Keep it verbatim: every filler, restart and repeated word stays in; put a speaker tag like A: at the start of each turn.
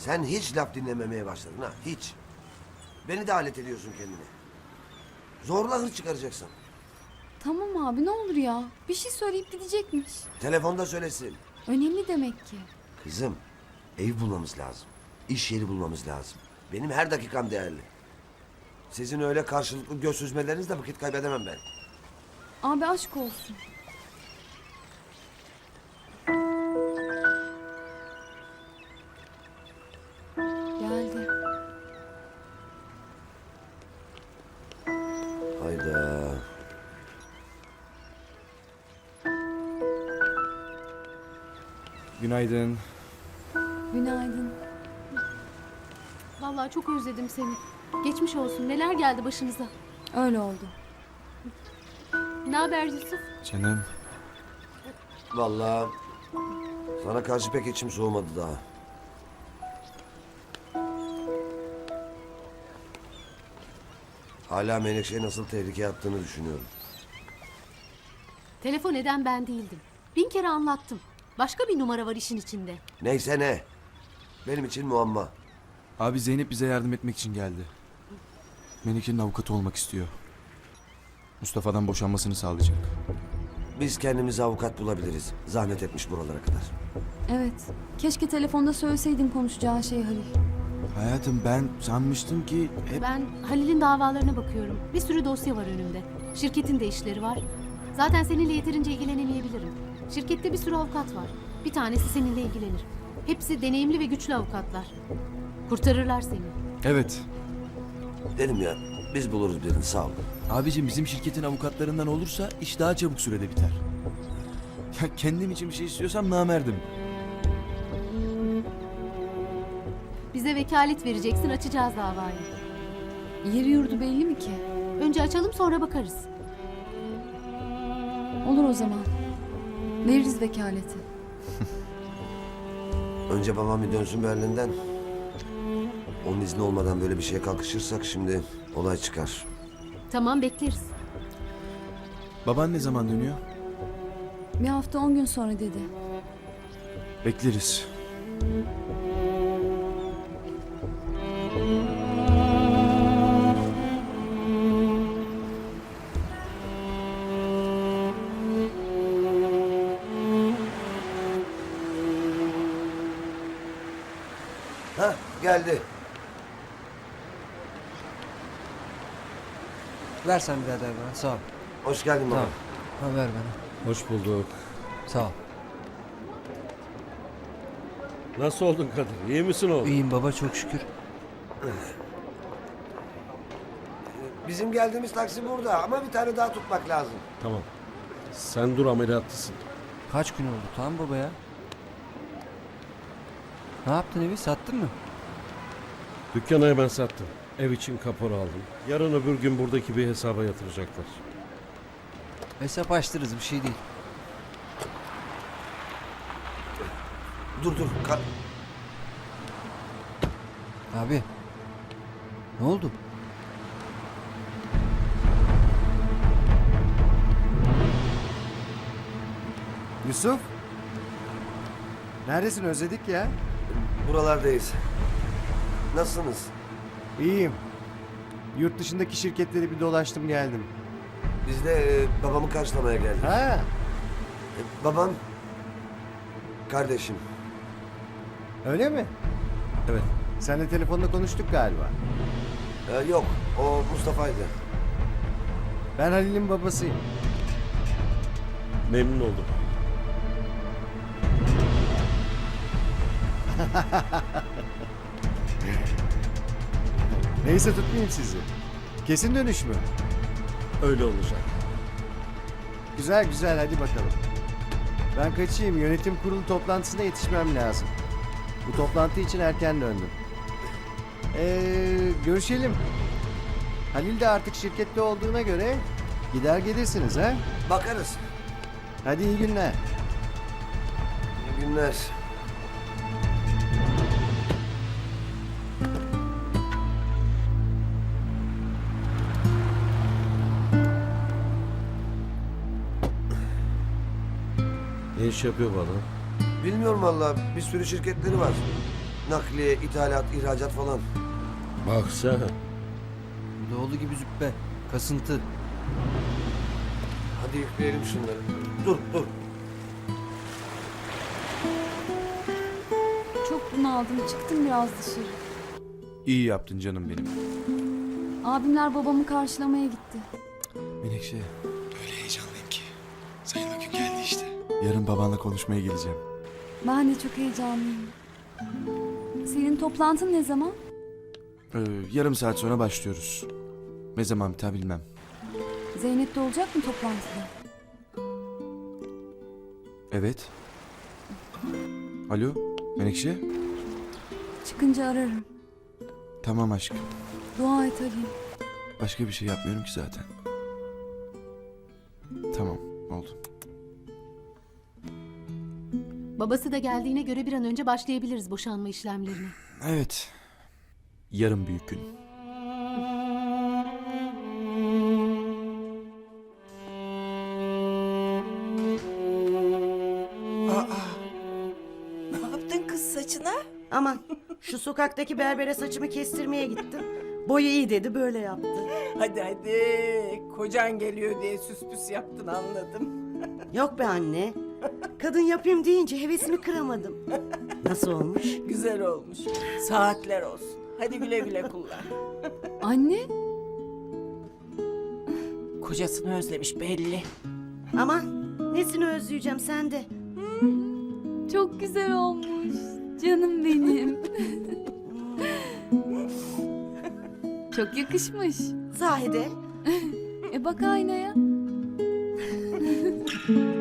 A: Sen hiç laf dinlememeye başladın ha, hiç. Beni de alet ediyorsun kendine. Zorla hır çıkaracaksın.
B: Tamam abi ne olur ya. Bir şey söyleyip gidecekmiş.
A: Telefonda söylesin.
B: Önemli demek ki.
A: Kızım, ev bulmamız lazım. İş yeri bulmamız lazım. Benim her dakikam değerli. Sizin öyle karşılıklı göz süzmelerinizle vakit kaybedemem ben.
B: Abi aşk olsun. Geldi.
A: Hayda.
C: Günaydın.
B: Günaydın.
D: Vallahi çok özledim seni. Geçmiş olsun. Neler geldi başınıza?
B: Öyle oldu.
D: Ne haber Yusuf?
C: Canım.
A: Vallahi sana karşı pek içim soğumadı daha. Hala Menekşe'ye nasıl tehlikeye attığını düşünüyorum.
D: Telefon eden ben değildim. Bin kere anlattım. Başka bir numara var işin içinde.
A: Neyse ne. Benim için muamma.
C: Abi Zeynep bize yardım etmek için geldi. Melike'nin avukatı olmak istiyor. Mustafa'dan boşanmasını sağlayacak.
A: Biz kendimize avukat bulabiliriz. Zahmet etmiş buralara kadar.
B: Evet. Keşke telefonda söyleseydin konuşacağın şeyi Halil.
C: Hayatım ben sanmıştım ki hep...
D: Ben Halil'in davalarına bakıyorum. Bir sürü dosya var önümde. Şirketin de işleri var. Zaten seninle yeterince ilgilenemeyebilirim. Şirkette bir sürü avukat var. Bir tanesi seninle ilgilenir. Hepsi deneyimli ve güçlü avukatlar. Kurtarırlar seni.
C: Evet.
A: Dedim ya, biz buluruz birini, sağ ol.
C: Abicim bizim şirketin avukatlarından olursa iş daha çabuk sürede biter. Ya kendim için bir şey istiyorsam namerdim.
D: Bize vekalet vereceksin, açacağız davayı.
B: Yeri yurdu belli mi ki?
D: Önce açalım, sonra bakarız.
B: Olur o zaman. Veririz vekaleti.
A: Önce babam bir dönsün Berlin'den. Onun izni olmadan böyle bir şeye kalkışırsak şimdi olay çıkar.
D: Tamam, bekleriz.
C: Baban ne zaman dönüyor?
B: Bir hafta on gün sonra dedi.
C: Bekleriz.
A: Hah, geldi.
E: Ver sen birader bana. Sağ ol.
A: Hoş geldin baba.
E: Tamam. Ha, ver bana.
F: Hoş bulduk.
E: Sağ ol.
F: Nasıl oldun Kadir? İyi misin oğlum?
E: İyiyim baba çok şükür.
A: Bizim geldiğimiz taksi burada ama bir tane daha tutmak lazım.
F: Tamam. Sen dur, ameliyatlısın.
E: Kaç gün oldu tamam baba ya? Ne yaptın evi sattın mı?
F: Dükkanı hemen sattım. Ev için kapora aldım. Yarın öbür gün buradaki bir hesaba yatıracaklar.
E: Hesap açtırırız bir şey değil.
A: Dur dur. Ka-
E: Abi. Ne oldu?
G: Yusuf. Neredesin özledik ya.
A: Buralardayız. Nasılsınız?
G: İyiyim. Yurt dışındaki şirketleri bir dolaştım geldim.
A: Biz de e, babamı karşılamaya geldik.
G: Ha,
A: E, babam, kardeşim.
G: öyle mi?
F: Evet.
G: Seninle telefonda konuştuk galiba.
A: E, yok, o Mustafa'ydı.
G: Ben Halil'in babasıyım.
F: Memnun oldum.
G: Neyse tutmayayım sizi. Kesin dönüş mü?
F: Öyle olacak.
G: Güzel güzel hadi bakalım. Ben kaçayım, yönetim kurulu toplantısına yetişmem lazım. Bu toplantı için erken döndüm. Ee, görüşelim. Halil de artık şirkette olduğuna göre gider gelirsiniz ha?
A: Bakarız.
G: Hadi iyi günler.
A: İyi günler.
F: Ne iş yapıyor bu adam?
A: Bilmiyorum valla, bir sürü şirketleri var. nakliye, ithalat, ihracat falan.
F: Bak sen.
E: Doğulu gibi züppe. Kasıntı.
A: Hadi yükleyelim şunları. Dur dur.
B: Çok bunaldım. Çıktım biraz dışarı.
C: İyi yaptın canım benim.
B: Abimler babamı karşılamaya gitti.
C: Menekşe. Öyle heyecanlıyım ki. Sayın o gün geldi işte. Yarın babanla konuşmaya geleceğim.
B: Ben de çok heyecanlıyım. Senin toplantın ne zaman?
C: Ee, yarım saat sonra başlıyoruz. Ne zaman biter bilmem.
B: Zeynep de olacak mı toplantıda?
C: Evet. Alo Menekşe.
B: Çıkınca ararım.
C: Tamam aşkım.
B: Dua et arayayım.
C: Başka bir şey yapmıyorum ki zaten. Tamam oldu.
D: Babası da geldiğine göre bir an önce başlayabiliriz boşanma işlemlerine.
C: Evet. Yarın büyük gün.
H: Ne yaptın kız saçına?
I: Aman şu sokaktaki berbere saçımı kestirmeye gittim. Boyu iyi dedi böyle yaptı.
H: Hadi hadi. Kocan geliyor diye süs püs yaptın anladım.
I: Yok be anne. Kadın yapayım deyince hevesimi kıramadım. Nasıl olmuş?
H: Güzel olmuş. Saatler olsun. Hadi güle güle kullan.
B: Anne?
H: Kocasını özlemiş belli.
I: Aman nesini özleyeceğim sen de.
B: Çok güzel olmuş. Canım benim. Çok yakışmış.
I: Zahide.
B: E bak aynaya.